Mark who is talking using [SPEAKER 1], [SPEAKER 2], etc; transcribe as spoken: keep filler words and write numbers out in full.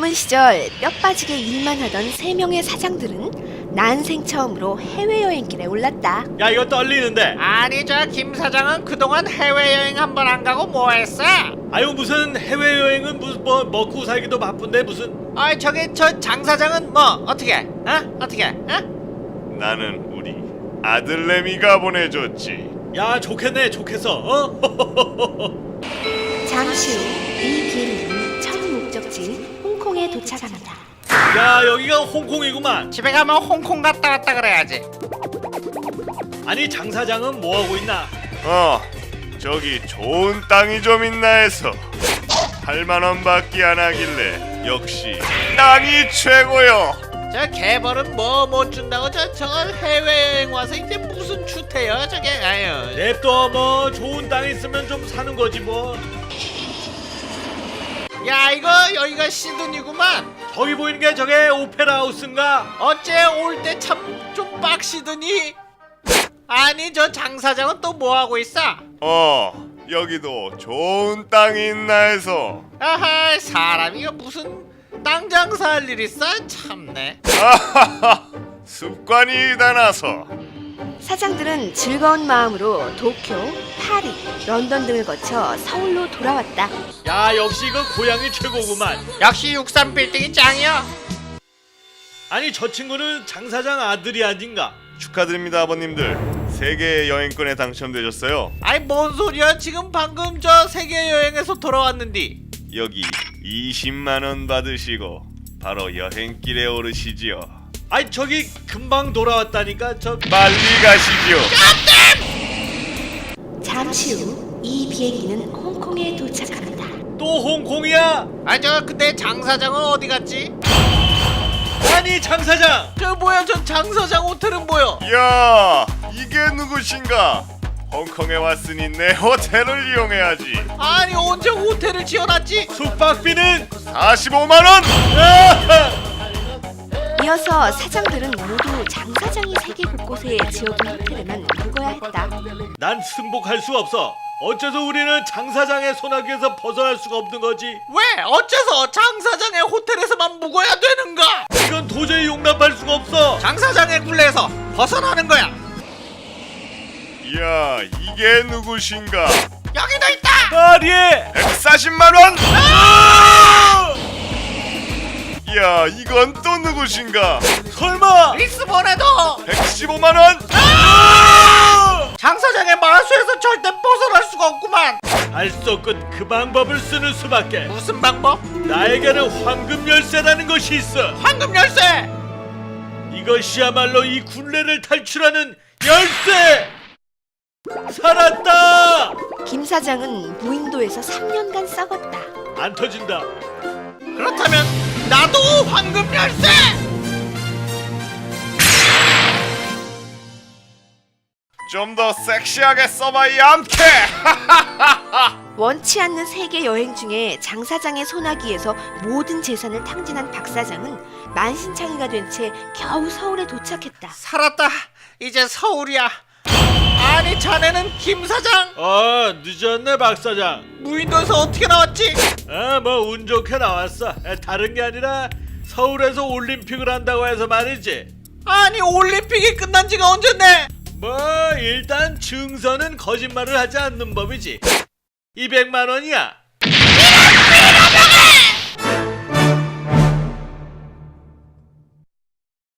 [SPEAKER 1] 젊은 시절 뼈 빠지게 일만 하던 세 명의 사장들은 난생 처음으로 해외여행길에 올랐다.
[SPEAKER 2] 야, 이거 떨리는데.
[SPEAKER 3] 아니 저 김 사장은 그동안 해외여행 한 번 안 가고 뭐 했어?
[SPEAKER 2] 아유, 무슨 해외여행은 무슨 뭐 먹고 살기도 바쁜데 무슨.
[SPEAKER 3] 아이 저기 저 장 사장은 뭐 어떻게? 어? 어떻게? 어?
[SPEAKER 4] 나는 우리 아들내미가 보내줬지.
[SPEAKER 2] 야, 좋겠네, 좋겠어. 어?
[SPEAKER 1] 잠시 후 이 비행기는 처음 목적지인 홍콩에 도착합니다.
[SPEAKER 2] 야, 여기가 홍콩이구만.
[SPEAKER 3] 집에 가면 홍콩 갔다 왔다 그래야지.
[SPEAKER 2] 아니, 장 사장은 뭐 하고 있나?
[SPEAKER 4] 어, 저기 좋은 땅이 좀 있나 해서 팔만 원밖에 안 하길래 역시 땅이 최고요.
[SPEAKER 3] 저 개벌은 뭐 못 준다고 저 저걸 해외여행 와서 이제 무슨 주태요 저게. 아유.
[SPEAKER 2] 냅둬. 뭐 좋은 땅 있으면 좀 사는 거지 뭐.
[SPEAKER 3] 야 이거 여기가 시드니구만.
[SPEAKER 2] 저기 보이는 게 저게 오페라 하우스인가?
[SPEAKER 3] 어째 올 때 참 좀 빡시더니. 아니 저 장 사장은 또 뭐 하고 있어?
[SPEAKER 4] 어, 여기도 좋은 땅이 있나 해서.
[SPEAKER 3] 아하 사람이 이거 무슨 땅 장사할 일 있어? 참네.
[SPEAKER 4] 아하하, 습관이 다나서.
[SPEAKER 1] 사장들은 즐거운 마음으로 도쿄, 파리, 런던 등을 거쳐 서울로 돌아왔다.
[SPEAKER 2] 야, 역시 이거 고향이 최고구만.
[SPEAKER 3] 역시 육삼 빌딩이 짱이야.
[SPEAKER 2] 아니, 저 친구는 장 사장 아들이 아닌가?
[SPEAKER 4] 축하드립니다 아버님들. 세계 여행권에 당첨되셨어요.
[SPEAKER 3] 아이 뭔 소리야. 지금 방금 저 세계 여행에서 돌아왔는디.
[SPEAKER 4] 여기 이십만 원 받으시고 바로 여행길에 오르시지요.
[SPEAKER 2] 아니, 저기 금방 돌아왔다니까. 저
[SPEAKER 4] 빨리 가시지요.
[SPEAKER 1] 잠시 후 이 비행기는 홍콩에 도착합니다.
[SPEAKER 2] 또 홍콩이야?
[SPEAKER 3] 아 저 근데 장 사장은 어디 갔지?
[SPEAKER 2] 아니, 장 사장.
[SPEAKER 3] 저 뭐야 저 장 사장 호텔은 뭐야?
[SPEAKER 4] 야, 이게 누구신가? 홍콩에 왔으니 내 호텔을 이용해야지.
[SPEAKER 3] 아니 언제 호텔을 지어놨지?
[SPEAKER 2] 숙박비는?
[SPEAKER 4] 사십오만 원.
[SPEAKER 1] 이어서 사장들은 모두 장 사장이 세계 곳곳에 지어둔 호텔에만 묵어야 했다.
[SPEAKER 2] 난 승복할 수 없어. 어째서 우리는 장 사장의 소나기에서 벗어날 수가 없는 거지?
[SPEAKER 3] 왜? 어째서 장 사장의 호텔에서만 묵어야 되는가?
[SPEAKER 2] 이건 도저히 용납할 수가 없어.
[SPEAKER 3] 장 사장의 굴레에서 벗어나는 거야.
[SPEAKER 4] 야, 이게 누구신가?
[SPEAKER 3] 여기도 있다.
[SPEAKER 2] 파리에.
[SPEAKER 4] 백사십만 원. 야, 이건 또 누구신가?
[SPEAKER 2] 설마.
[SPEAKER 3] 리스본에도
[SPEAKER 4] 백십오만 원.
[SPEAKER 3] 장 사장의 마수에서 절대 벗어날 수가 없구만.
[SPEAKER 2] 알 수 없건 그 방법을 쓰는 수밖에.
[SPEAKER 3] 무슨 방법?
[SPEAKER 2] 나에게는 황금 열쇠라는 것이 있어.
[SPEAKER 3] 황금 열쇠.
[SPEAKER 2] 이것이야말로 이 굴레를 탈출하는 열쇠. 살았다.
[SPEAKER 1] 김 사장은 무인도에서 삼 년간 썩었다.
[SPEAKER 2] 안 터진다.
[SPEAKER 3] 그렇다면 나도 황금 열쇠.
[SPEAKER 4] 좀 더 섹시하게 써봐야 암캐.
[SPEAKER 1] 원치 않는 세계 여행 중에 장 사장의 소나기에서 모든 재산을 탕진한 박 사장은 만신창이가 된 채 겨우 서울에 도착했다.
[SPEAKER 3] 살았다. 이제 서울이야. 아니 자네는 김 사장.
[SPEAKER 2] 어, 늦었네, 박 사장.
[SPEAKER 3] 무인도에서 어떻게 나왔지?
[SPEAKER 2] 아, 뭐 운 좋게 나왔어. 아, 다른 게 아니라 서울에서 올림픽을 한다고 해서 말이지.
[SPEAKER 3] 아니 올림픽이 끝난 지가 언젠데?
[SPEAKER 2] 뭐 일단 증서는 거짓말을 하지 않는 법이지. 이백만 원이야.
[SPEAKER 3] 이런 빌어먹어!